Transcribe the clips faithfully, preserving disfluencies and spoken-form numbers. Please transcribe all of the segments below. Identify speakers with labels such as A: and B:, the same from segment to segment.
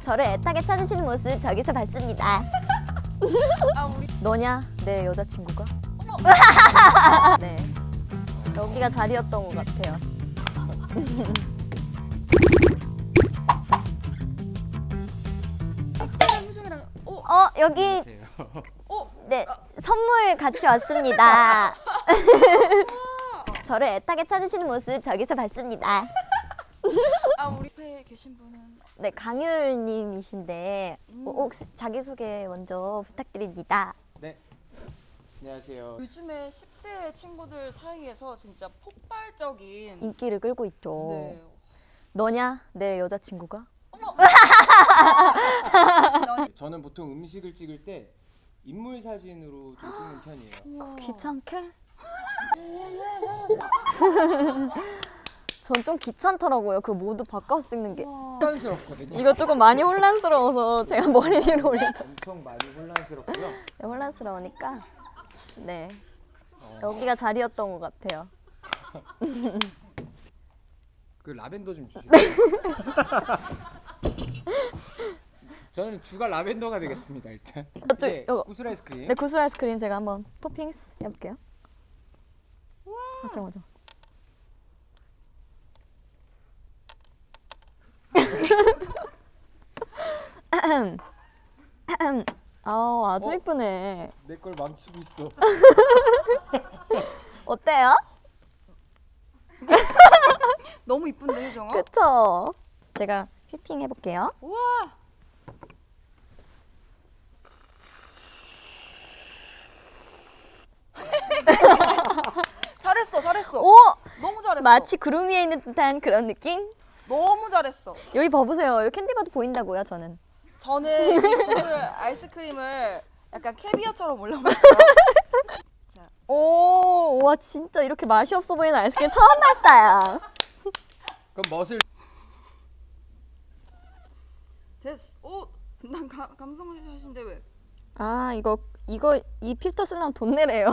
A: 저를 애타게 찾으시는 모습 저기서 봤습니다.
B: 아 우리
A: 너냐? 내 여자친구가?
B: 어머.
A: 네. 여기가 자리였던 것 같아요.
B: 표정이랑 어?
A: 어, 여기
B: 어?
A: 네, 선물 같이 왔습니다. 저를 애타게 찾으시는 모습 저기서 봤습니다.
B: 아 우리 옆에 계신 분은
A: 네, 강율님이신데
B: 음.
A: 어, 혹시 자기소개 먼저 부탁드립니다.
C: 네. 안녕하세요.
B: 요즘에 십 대 친구들 사이에서 진짜 폭발적인
A: 인기를 끌고 있죠.
B: 네.
A: 너냐? 내 여자친구가?
C: 저는 보통 음식을 찍을 때 인물 사진으로 좀 찍는 편이에요.
B: 우와.
A: 귀찮게? 전 좀 귀찮더라고요. 그 모두 바꿔서 찍는 게.
C: 혼란스럽거든요.
A: 이거 조금 많이 혼란스러워서 제가 머리 위로 올려.
C: 엄청 많이 혼란스럽고요.
A: 네, 혼란스러우니까 네
C: 어,
A: 여기가 자리였던 것 같아요.
C: 그 라벤더 좀 주시죠.
A: 네.
C: 저는 주가 라벤더가 되겠습니다. 일단.
A: 저,
C: 이제
A: 요거.
C: 구슬 아이스크림.
A: 네, 구슬 아이스크림 제가 한번 토핑스 해볼게요. 맞아 맞아. 아 아주
C: 어?
A: 이쁘네.
C: 내 걸 망치고 있어.
A: 어때요?
B: 너무 이쁜데 효정아?
A: 그쵸? 제가 휘핑 해볼게요.
B: 우와. 잘했어 잘했어.
A: 오!
B: 너무 잘했어.
A: 마치 구름 위에 있는 듯한 그런 느낌?
B: 너무 잘했어.
A: 여기 봐보세요. 여기 캔디바도 보인다고요, 저는.
B: 저는 이 구슬 아이스크림을 약간 캐비어처럼 올려볼게요. 자,
A: 오, 와 진짜 이렇게 맛이 없어 보이는 아이스크림 처음 봤어요.
C: 그럼 멋을
B: 됐어. 오, 난 가, 감성하신데 왜?
A: 아 이거 이거 이 필터 쓰려면 돈 내래요.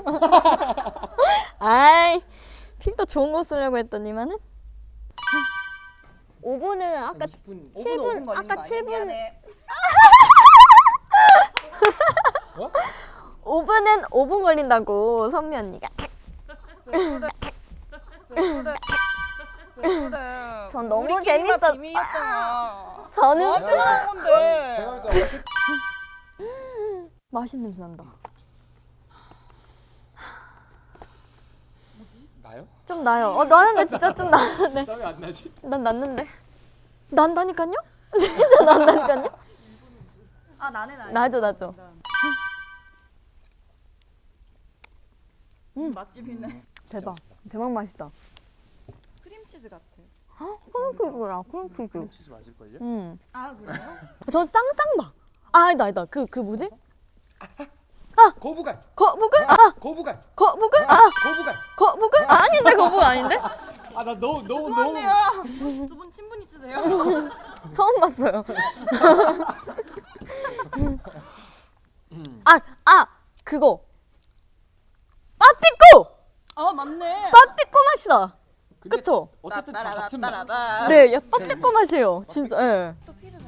A: 아이 필터 좋은 거 쓰려고 했더니만은. 오 분은 아까
C: 이십 분.
A: 칠 분 아까 칠 분
C: 어?
A: 오 분은 오 분 걸린다고 선미 언니가.
B: 왜 그래? 왜 그래? 왜 그래?
A: 전 너무
B: 우리끼리만
A: 재밌었-
B: 비밀이었잖아.
A: 저는
B: 너한테 그런 건데.
C: 제가 볼때
A: 맛있는 냄새 난다.
C: 나요?
A: 좀 나요. 어 나는데 진짜 좀 나는데.
C: 땀이 안 나지?
A: 난 났는데. 난다니까요? 진짜 난다니까요?
B: 아 나네 나네.
A: 나죠 나죠.
B: 음. 맛집이네.
A: 대박. 대박 맛있다.
B: 크림치즈 같아.
A: 크림치즈야 크림치즈.
C: 크림치즈 맞을걸요?
A: 음.
B: 아 그래요?
A: 전 쌍쌍바. 아 아니다 아니다. 그 그 뭐지?
C: 거부감.
A: 거북을? 아
C: 거부감.
A: 거북을? 아
C: 거부감.
A: 거북을? 아, 아닌데 거북 아닌데?
C: 아 나 너무 너무
B: 죄송한데요. 두 분 친분 있으세요?
A: 처음 봤어요. 아 아 그거. 빠삐꼬.
B: 아 맞네.
A: 빠삐꼬 맛이다.
C: 근데
A: 그쵸?
C: 어쨌든 다 같은 맛.
B: 따라라따라라.
A: 네, 야 빠삐꼬 맛이에요. 진짜. 예.
B: 또 피자